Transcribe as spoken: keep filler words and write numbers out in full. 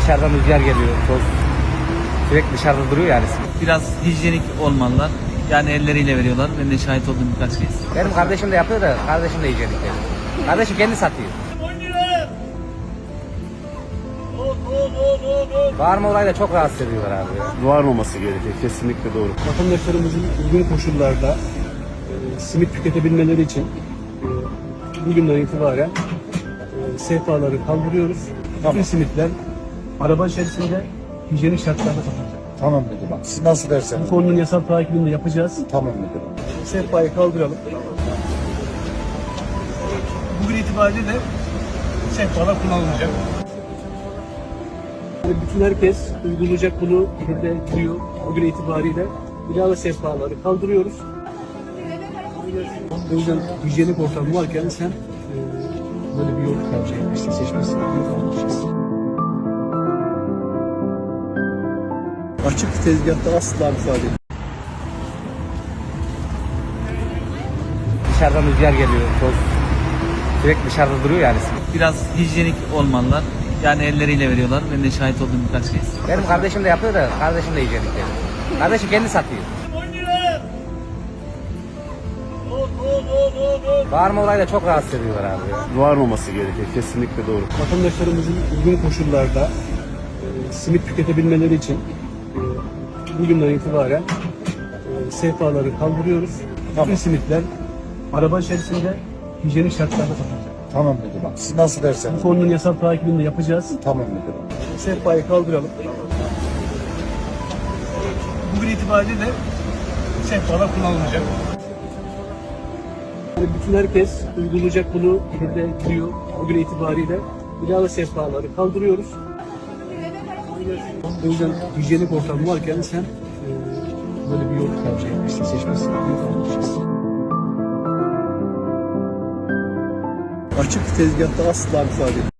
Dışarıdan rüzgar geliyor, toz. Sürekli dışarıda duruyor yani. Biraz hijyenik olmalılar. Yani elleriyle veriyorlar. Ben de şahit oldum birkaç kez. Benim kardeşim de yapıyor da kardeşim de hijyenik yani. Kardeşim kendi satıyor. Bağırma olayı da çok rahatsız ediyorlar abi. Varmaması gerekiyor. Kesinlikle doğru. Vatandaşlarımızın uygun koşullarda e, simit tüketebilmeleri için e, bugünden itibaren e, sehpaları kaldırıyoruz. Bütün simitler araba içerisinde hijyenik şartlarda satılacak. Tamam müdürüm. Siz nasıl Bu derseniz. konunun yasal takibini de yapacağız. Tamam müdürüm. Sehpayı kaldıralım. Bugün itibariyle de sehpalar kullanılacak. Yani bütün herkes uygulayacak bunu burada diyor. Bugün itibariyle ilave sehpaları kaldırıyoruz. O yüzden hijyenik ortam varken sen e, böyle bir yol tercih etmişsin, seçmişsin. Açık tezgahta asla müsaade edin. Dışarıdan rüzgar geliyor, toz. Sürekli dışarıda duruyor yani. Biraz hijyenik olmalılar. Yani elleriyle veriyorlar. Ben de şahit oldum birkaç kez. Benim kardeşim de yapıyor da kardeşim de hijyenik yani. Kardeşim kendi satıyor. Bağırma olayı da çok rahatsız ediyorlar abi. Varmaması gerekiyor. Kesinlikle doğru. Vatandaşlarımızın uygun koşullarda e, simit tüketebilmeleri için e, bugünden itibaren e, sehpaları kaldırıyoruz. Bütün simitler araba içerisinde hijyenik şartlarda satılacak. Tamam müdürüm. Siz nasıl Bu derseniz. konunun yasal takibini de yapacağız. Tamam müdürüm. Sehpayı kaldıralım. Bugün itibariyle de sehpalar kullanılacak. Yani bütün herkes uygulayacak bunu burada diyor. Bugün itibariyle ilave sehpaları kaldırıyoruz. O yüzden hijyenik ortam varken sen e, böyle bir yol tercih etmişsin, seçmişsin. Açık tezgahta asla müsaade edin.